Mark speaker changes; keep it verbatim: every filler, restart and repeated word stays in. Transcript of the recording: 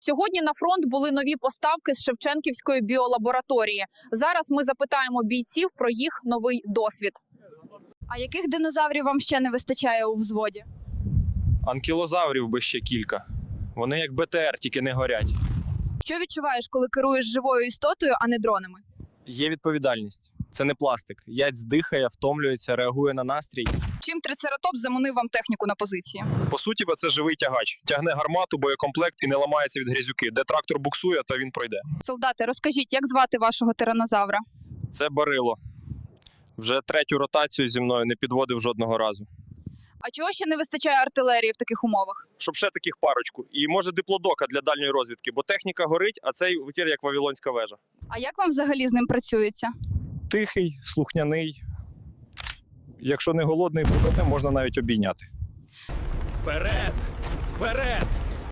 Speaker 1: Сьогодні на фронт були нові поставки з Шевченківської біолабораторії. Зараз ми запитаємо бійців про їх новий досвід.
Speaker 2: А яких динозаврів вам ще не вистачає у взводі?
Speaker 3: Анкілозаврів би ще кілька. Вони як Б Т Р, тільки не горять.
Speaker 2: Що відчуваєш, коли керуєш живою істотою, а не дронами?
Speaker 3: Є відповідальність. Це не пластик. Яць дихає, втомлюється, реагує на настрій.
Speaker 1: Чим трицератоп заманив вам техніку на позиції?
Speaker 3: По суті, це живий тягач. Тягне гармату, боєкомплект і не ламається від грязюки. Де трактор буксує, то він пройде.
Speaker 1: Солдати, розкажіть, як звати вашого тиранозавра?
Speaker 3: Це Барило. Вже третю ротацію зі мною не підводив жодного разу.
Speaker 1: А чого ще не вистачає артилерії в таких умовах?
Speaker 3: Щоб ще таких парочку. І може диплодока для дальньої розвідки, бо техніка горить, а цей витір як Вавилонська вежа.
Speaker 1: А як вам взагалі з ним працюється?
Speaker 3: Тихий, слухняний. Якщо не голодний, то можна навіть обійняти.
Speaker 4: Вперед! Вперед!